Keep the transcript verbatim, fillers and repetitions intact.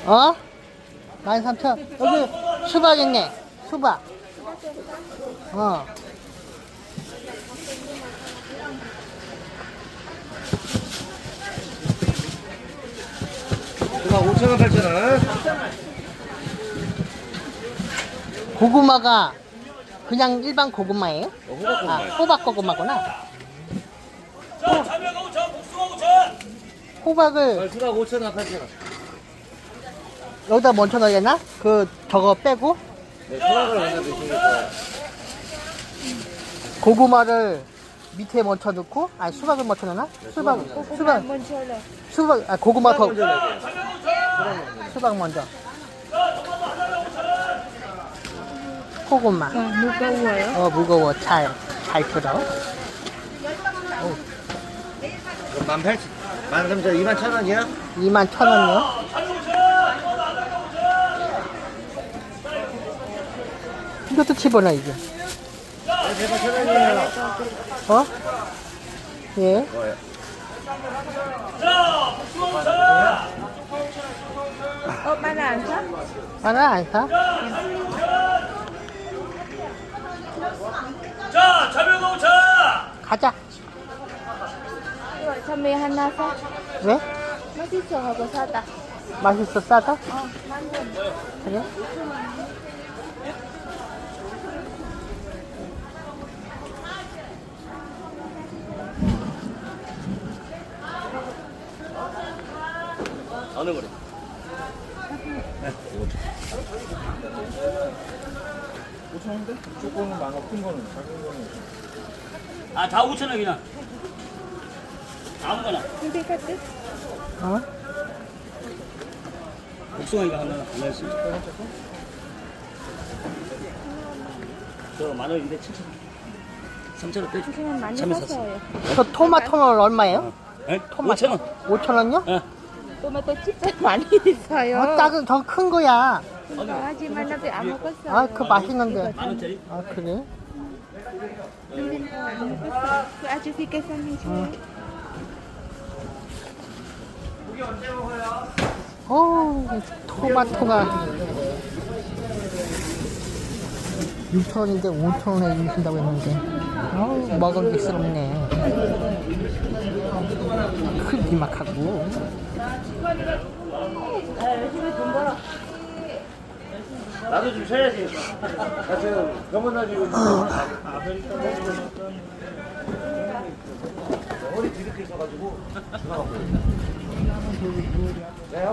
어? 만 삼천. 여기 수박 있네. 수박. 어. 수박 오천 원, 팔천 원. 고구마가 그냥 일반 고구마예요? 어, 호박 아, 고구마. 호박 고구마구나. 자, 참외가 오천, 복숭아 오천. 호박을 수박 오천 원, 팔천 원. 여기다 먼저 넣어야 되나? 그 저거 빼고 네, 수박을 먼저 드시니까. 고구마를 밑에 먼저 넣고 아니 수박을 먼저 넣나? 수박 수박 수박 아 고구마 더 먼저 넣어야 돼요. 수박 먼저. 고구마. 무거워요? 어 무거워 잘 잘 들어. 만 팔천, 만 삼천, 이만 천 원이요? 이만 천 원이요. 이것도 집어넣어 이제. 대박 천 원이에요. 어? 예. 뭐예요? 자, 복숭아 오천. 어, 마늘 안 사? 하나 안 사? 자, 참외가 오천. 가자. 이거 참외 하나 사? 왜? 맛있어 하고 사다. 맛있어 싸다? 어, 만 원. 그래? 어느 거래? 오천 원인데? 조금은 많아, 큰 거는, 작은 거는. 아, 다 오천 원 그냥. 아무거나. 근데 카트? 어? 복숭아 이거 하나 하나씩. 저만 원인데 칠천 원. 삼천 원 빼줘. 그냥 많이 참외 샀어요. 저 토마토는 얼마예요? 에? 오천 원. 오천 원요? 예. 토마토 진짜 많이 있어요. 어, 작은 더 큰 거야. 하지만 나도 안 먹었어요. 아, 그 맛있는데. 만 원짜리. 아, 그래? 근데 안 먹었어요. 그 아저씨께서 해줘요. 어, 토마토가 육천 원인데 오천 원에 주신다고 했는데. 어우, 먹음직스럽네. 크기막하고. 나도 좀 쉬어야지. 나 지금 병원 다니고 있는데. 허리 뒤렇게 있어가지고.